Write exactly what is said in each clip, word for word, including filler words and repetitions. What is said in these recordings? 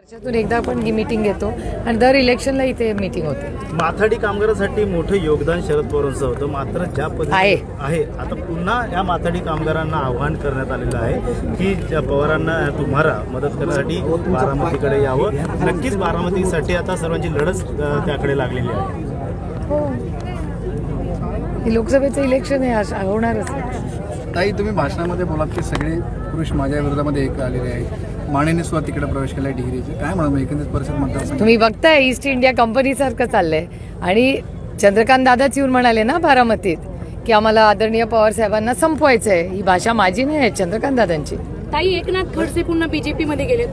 वर्षातून एकदा आपण ही मीटिंग घेतो आणि दर इलेक्शनला इथे मीटिंग होते. माथाडी कामगारांसाठी मोठं योगदान शरद पवारांचं होतं, मात्र ज्या आहे. पद्धतीने आहे आता पुन्हा या माथाडी कामगारांना आव्हान करण्यात आलेलं आहे की ज्या पवारांना तुम्हाला मदत करण्यासाठी बारामतीकडे यावं. नक्कीच बारामतीसाठी आता सर्वांची लढत अ, त्याकडे लागलेली आहे. हो, हे लोकसभेचं इलेक्शन आहे, आज होणारच. ताई, तुम्ही भाषणामध्ये बोलात की सगळे पुरुष माझ्या विरोधामध्ये एक आलेले आहेत. मानेने सुद्धा तिकडे प्रवेश केला आहे डिग्रीचे. काय म्हणा एकंदरीत परिषद मतदारसंघ तुम्ही बघताय ईस्ट इंडिया कंपनीसारखं चाललंय आणि चंद्रकांत दादाच येऊन म्हणाले ना बारामतीत की आम्हाला आदरणीय पवार साहेबांना संपवायचं आहे. ही भाषा माझी नाही आहे, चंद्रकांत दादांची. ताई, एकनाथ खडसे पुन्हा बीजेपी मध्ये गेलेत.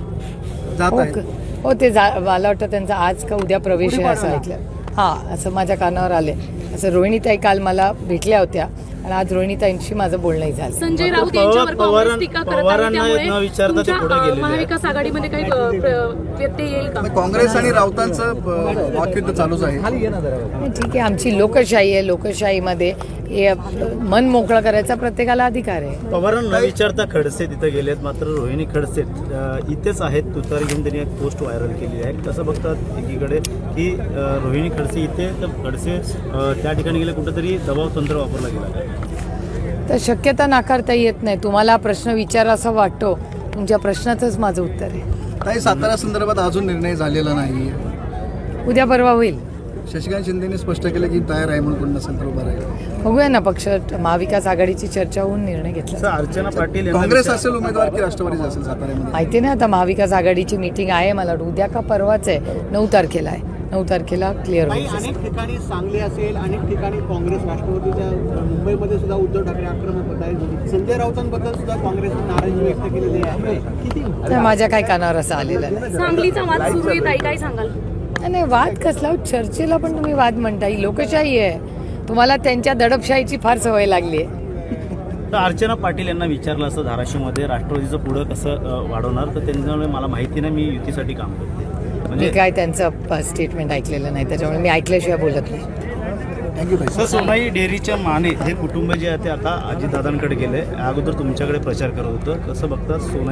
जात हो आहे. क- हो ते जा मला वाटतं त्यांचा आज का उद्या प्रवेश आहे असं ऐकलं. हां, असं माझ्या कानावर आले. असं रोहिणीताई काल मला भेटल्या होत्या आणि आज रोहिणीताईंशी माझं बोलणंही झालं. संजय मात्र राऊत पवार- यांच्यावर काँग्रेस पवारां- टीका करत आहे, पवारांना त्यामुळे न विचारता ते तुमच्या, पुढे अ, गेलेले आहेत. महाविकास आघाडीमध्ये काही अ, प्र- व्यत्यय येईल का? काँग्रेस आणि राऊतांचं अ, वाकयुद्ध चालूच आहे. नाही, ठीक आहे, आमची लोकशाही आहे. लोकशाहीमध्ये हे मन मोकळं करायचा प्रत्येकाला अधिकार आहे. पवारांना विचारता खडसे तिथे गेलेत, मात्र रोहिणी खडसे अ, इथेच आहेत. तुतारी घेऊन त्यांनी एक पोस्ट व्हायरल केली आहे. कसं बघतात एकीकडे की अ, रोहिणी खडसे इथे तर खडसे अ, त्या ठिकाणी गेले, कुठेतरी दबाव तंत्र वापरला गेला. तर शक्यता नाकारता येत नाही. तुम्हाला प्रश्न विचारा असं वाटतो, तुमच्या प्रश्नाचंच माझं उत्तर आहे. ताई, सातारा संदर्भात अजून निर्णय झालेला नाही. उद्या परवा होईल. शशिकांत शिंदेने स्पष्ट केलं की तयार आहे म्हणून कोण नसेल तर उभा राहील. बघूया ना, पक्ष महाविकास आघाडीची चर्चा होऊन निर्णय घेतला. असं अर्चना पाटील यांना काँग्रेस विचार- असेल उमेदवार की राष्ट्रवादीच असेल साताऱ्यामध्ये? माहिती नाही, आता महाविकास आघाडीची मीटिंग आहे. मला वाटतं उद्या का परवाच आहे, नऊ तारखेला आहे. नऊ तारखेला क्लिअर काही होईल. अनेक ठिकाणी सांगली असेल, अनेक ठिकाणी काँग्रेस राष्ट्रवादीच्या अ, मुंबईमध्ये सुद्धा उद्धव ठाकरे आक्रमक होत आहेत. संजय राऊतांबद्दल सुद्धा काँग्रेसने नाराजी व्यक्त केलेली आहे. किती नाही, माझ्या काही कानावर असं आलेलं नाही. सांगलीचा वाद सुरू आहे. ताई, काय सांगाल? नाही, वाद कसला? चर्चेला पण तुम्ही वाद म्हणता. ही लोकशाही आहे. तुम्हाला त्यांच्या दडपशाहीची फार सवय लागली आहे. तर अर्चना पाटील यांना विचारलं असं धाराशिवमध्ये राष्ट्रवादीचं पुढं कसं अ, वाढवणार, तर त्यांच्यामुळे मला माहिती नाही, मी युतीसाठी काम करते. मी म्हणजे काय त्यांचं स्टेटमेंट ऐकलेलं नाही, त्याच्यामुळे मी ऐकल्याशिवाय बोलत नाही. थँक्यू ताई. सर, सोनाई डेअरीच्या माने हे कुटुंब जे आहे ते आता अजितदादांकडे गेले. अगोदर तुमच्याकडे प्रचार करत होतं. कसं बघतात सोनाई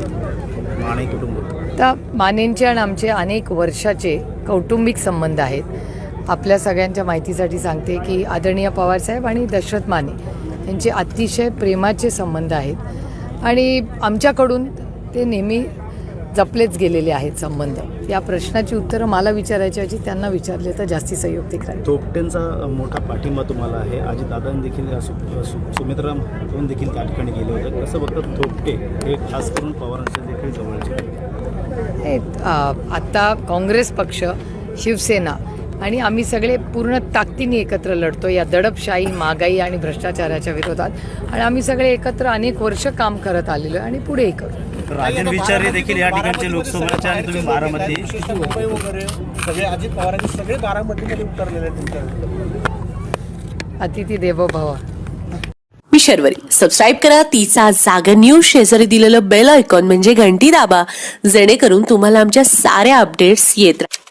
माने कुटुंब? तर मानेंचे आणि आमचे अनेक वर्षाचे कौटुंबिक संबंध आहेत. आपल्या सगळ्यांच्या माहितीसाठी सांगते की आदरणीय पवारसाहेब आणि दशरथ माने यांचे अतिशय प्रेमाचे संबंध आहेत आणि आमच्याकडून ते नेहमी जपलेच गेलेले आहेत संबंध. या प्रश्नाची उत्तरं मला विचारायची ऐवजी त्यांना विचारले तर जास्ती संयुक्तिक राहील. थोपटेंचा मोठा पाठिंबा तुम्हाला आहे. अजितदादांनी देखील सु- सु- सुमित्रा महाजन देखील त्या ठिकाणी गेले होते. कसं बघतात थोपटे हे खास करून पवारांच्या देखील जवळचे? हे, आ, आत्ता काँग्रेस पक्ष, शिवसेना आणि आम्ही सगळे पूर्ण ताकदीने एकत्र लढतो या दडपशाही, महागाई आणि भ्रष्टाचाराच्या विरोधात. आणि आम्ही सगळे एकत्र अनेक वर्ष काम करत आलेलो आहे आणि पुढेही करू. राजन विचारे देखील या ठिकाणचे लोकसभेचे आणि तुम्ही बारामती. मुंबई वगैरे सगळे अजित पवारांनी सगळे बारामतीमध्ये उतरलेले आहेत तुमच्या. अतिथी देवो भव. मी शर्वरी. सबस्क्राईब करा तिचा जागर न्यूज. शेजारी दिलेलं बेल आयकॉन म्हणजे घंटी दाबा, जेणेकरून तुम्हाला आमच्या साऱ्या अपडेट्स येत राहतील.